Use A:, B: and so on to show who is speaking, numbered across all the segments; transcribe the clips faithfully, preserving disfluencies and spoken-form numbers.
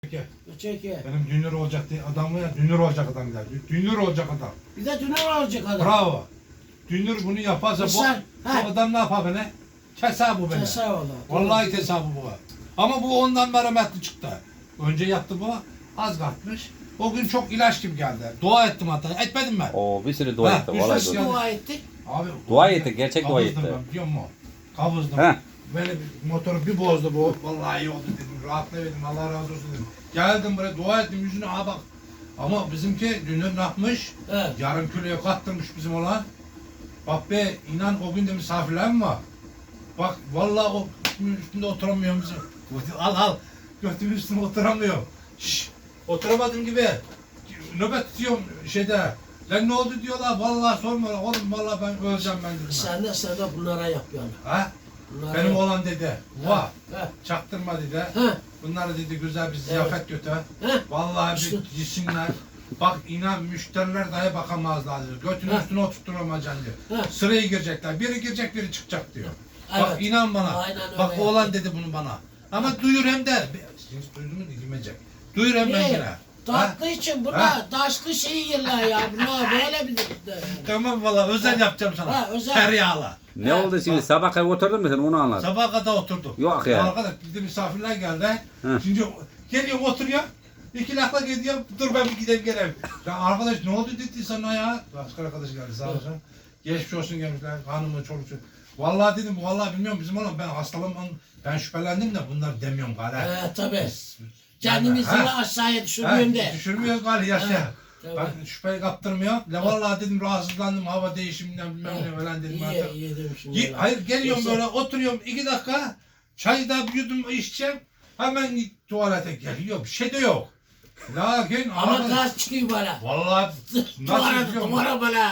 A: Çeke.
B: Çeke.
A: Benim dünür olacak diye adam var ya, dünür olacak adam der. Dünür olacak adam.
B: Bir de döner olacak adam.
A: Bravo. Dünür bunu yaparsa bu,
B: Sen-
A: bu
B: ha.
A: adam ne yapar beni? Keser bu beni.
B: Keser o da.
A: Vallahi keser bu bu. Ama bu ondan merhametli çıktı. Önce yaptı bu, az kalkmış. O gün çok ilaç gibi geldi. Dua ettim hatta. Etmedim ben.
C: Oo bir sürü dua
A: Ha,
C: etti.
A: bir
C: Vallahi
A: sürü
C: dua.
B: Dua ettik.
A: Abi,
C: Dua etti, gerçek dua
A: kavuzdım
C: etti.
A: Ben, biliyor musun? Kavuzdım.
C: Heh.
A: Beni motoru bir bozdu bu. Vallahi iyi oldu dedim. Rahatlayabildim. Allah razı olsun dedim. Geldim buraya dua ettim yüzüne. Aa bak. Ama bizimki dünür ne yapmış?
B: Evet.
A: Yarım kiloya kattırmış bizim olan. Bak be inan o gün de misafirler mi var? Bak vallahi o üstünde oturamıyorum bizim. Al al. Götümün üstünde oturamıyorum. Şşş. Oturamadığım gibi. Nöbet tutuyorum şeyde. Lan ne oldu diyorlar. Vallahi sorma. Oğlum vallahi ben öleceğim ben dedim.
B: Sen de sen de bunlara yap yani.
A: Ha?
B: Bunlara
A: Benim
B: yap.
A: oğlan dedi. Va.
B: Ha.
A: Çaktırma dedi.
B: Ha.
A: Bunları dedi güzel bir ziyafet götür.
B: Ha.
A: Vallahi
B: İşte.
A: bir yesinler. Bak inan müşteriler dahi bakamazlar diyor. Götünün
B: Ha.
A: üstüne oturtturamayacaksın diyor.
B: Ha.
A: Sıraya girecekler. Biri girecek biri çıkacak diyor.
B: Evet.
A: Bak inan bana.
B: Aynen öyle
A: Bak
B: yaptı.
A: oğlan dedi bunu bana. Ama duyur hem de. Siz duydun mu dinlemeyecek. Duyur hem ben
B: Niye?
A: yine.
B: Tatlı için bunlar
A: Ha?
B: taşlı şey yerler ya. Bunlar böyle bir de.
A: Tamam valla özel yapacağım sana.
B: Ha, özel.
A: Tereyağla.
C: Ne
B: Ha,
C: oldu şimdi? Sabah kadar oturdun mu sen onu anlat.
A: Sabaha kadar oturduk.
C: Yok ya.
A: Arkadaş bir de misafirler geldi.
C: Hı.
A: Şimdi geliyor oturuyor. İki lafla gidiyor. Dur ben bir gideyim geleyim. Ya arkadaş ne oldu dedi sana ya? Başka arkadaş geldi sağ olsun. Geçmiş olsun gelmişler. Hanımı çoluk çocuk. Vallahi dedim vallahi bilmiyorum bizim oğlan ben hastalığım ben şüphelendim de bunlar demiyorum galiba.
B: He tabii. Kendimizi
A: Ha.
B: de aşağıya düşürmüyorum de.
A: Düşürmüyoruz galiba yaşa.
B: Ha, tabii.
A: Ben şüpheyi kaptırmıyor. La vallahi dedim rahatsızlandım hava değişiminden bilmem ne falan dedim
B: İyi,
A: artık.
B: iyi demişim.
A: Ge- Hayır geliyorum
B: Yoksa-
A: böyle oturuyorum iki dakika çayı da bir yudum içeceğim hemen git tuvalete geliyor bir şey de yok. Lakin
B: Ama
A: arkadaş-
B: gaz çıkıyor bana.
A: vallahi nasıl
B: Duvara,
A: biliyor musun?
B: duvara böyle.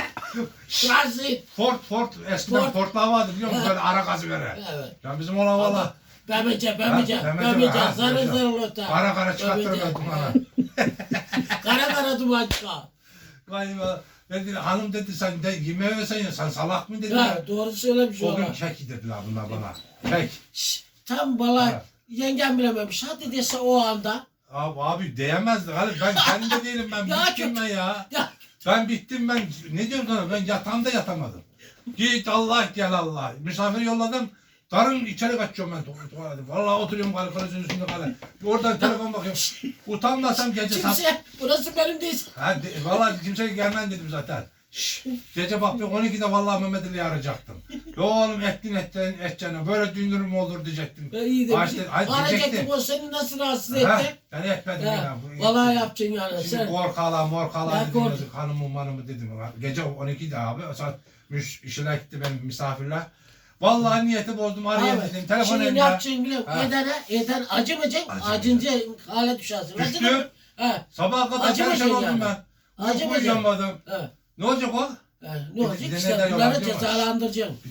B: Gaz değil.
A: Ford Ford eskiden
B: Ford.
A: Ford'lar vardı biliyor musun
B: Ha.
A: böyle ara gazı veren.
B: Evet.
A: Ya bizim olan valla
B: Bemece, bemece,
A: Ha, bemece,
B: bemece,
A: ha,
B: zarı
A: bemece.
B: zarı lota.
A: kara kara
B: Bemece.
A: çıkarttırmadım bana.
B: Kara kara duman çıkar.
A: Galiba dedi, hanım dedi sen de yemeğe versen ya sen salak mı dedi.
B: Ha, doğru söylemiş
A: O gün
B: ona.
A: kek dediler bunlar bana. Kek.
B: Şşş, tam bala
A: Ha.
B: yengem bilememiş. Hadi dese o anda.
A: Abi, abi diyemezdi. Hani ben kendim de değilim ben
B: Ya
A: bittim
B: çok-
A: ben ya.
B: Ya,
A: Ben bittim ben. Ne diyorum sana ben yatağımda yatamadım. Git Allah gel Allah. Misafir yolladım. Darın içeri kaçıyorum ben tu- tuvalete. Vallahi oturuyorum kale kalesinin üstünde kale. Oradan telefon bakıyorum. Utanmasam gece saat.
B: kimse, burası benim değil.
A: Ha, de, vallahi kimseye gelmem dedim zaten. Şşş, gece bak bir on ikide vallahi Mehmet Ali'yi arayacaktım. Yo oğlum ettin ettin edeceğine böyle dünürüm olur diyecektim.
B: Ben iyi
A: Ha,
B: demişim.
A: işte, ay,
B: Arayacaktım
A: diyecektim.
B: o seni nasıl rahatsız
A: Ha,
B: etti?
A: ben etmedim
B: Ha,
A: ya. Bu-
B: vallahi yapacaksın yani.
A: Şimdi
B: Sen,
A: korkala morkala
B: Ya
A: dedim
B: kork-
A: yazık hanımım hanımı dedim. Gece on ikide abi saat müş, işine gitti benim misafirler. Vallahi niyeti bozdum arayayım
B: abi,
A: dedim. Telefon
B: şimdi ne
A: elimde.
B: yapacaksın biliyor musun?
A: Ha.
B: Edene, eden acımayacaksın,
A: Acımayacak.
B: acınca hale düşersin.
A: Düştü.
B: Acıdın mı? Ha,
A: Sabaha kadar
B: Acımayacak
A: perişan oldum
B: yani.
A: ben. Uyku
B: Acımayacak.
A: uyuyamadım.
B: ha.
A: Ne olacak o?
B: Ha,
A: Bir
B: ne
A: de-
B: olacak
A: bir de
B: işte
A: neden
B: bunları
A: yalan diyor mu?
B: cezalandıracaksın.